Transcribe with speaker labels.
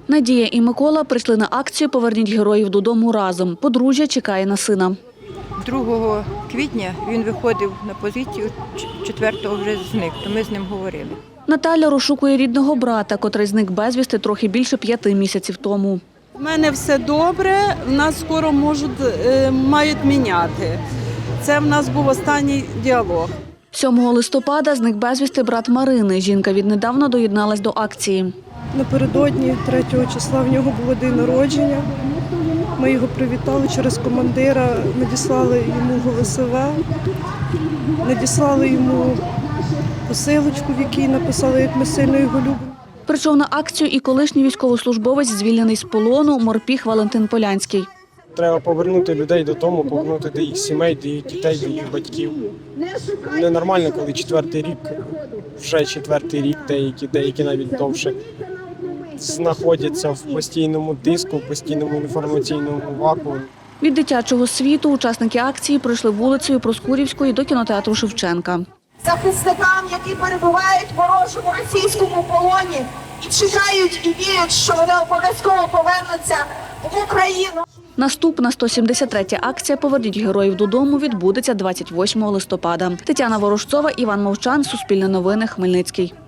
Speaker 1: Надія і Микола прийшли на акцію «Поверніть героїв додому разом». Подружжя чекає на сина.
Speaker 2: 2 квітня він виходив на позицію, 4-го вже зник, то ми з ним говорили.
Speaker 1: Наталя розшукує рідного брата, котрий зник безвісти трохи більше 5 місяців тому.
Speaker 3: У мене все добре, в нас скоро мають міняти. Це в нас був останній діалог.
Speaker 1: 7 листопада зник безвісти брат Марини. Жінка віднедавна доєдналась до акції.
Speaker 4: Напередодні 3 числа в нього було день народження. Ми його привітали через командира, надіслали йому ГЛСВ, надіслали йому посилочку, в якій написали, як ми сильно його любимо.
Speaker 1: Прийшов на акцію і колишній військовослужбовець, звільнений з полону, морпіг Валентин Полянський.
Speaker 5: Треба повернути людей додому, повернути до їх сімей, до їх дітей, до їх батьків. Ненормально, коли 4-й рік, вже 4-й рік, деякі навіть довше, знаходяться в постійному тиску, в постійному інформаційному вакуумі.
Speaker 1: Від дитячого світу учасники акції пройшли вулицею Проскурівської до кінотеатру Шевченка.
Speaker 6: Захисникам, які перебувають в ворожому російському полоні і чекають і вірять, що вони обов'язково повернуться в Україну.
Speaker 1: Наступна 173-я акція «Поверніть героїв додому» відбудеться 28 листопада. Тетяна Ворожцова, Іван Мовчан, Суспільне новини, Хмельницький.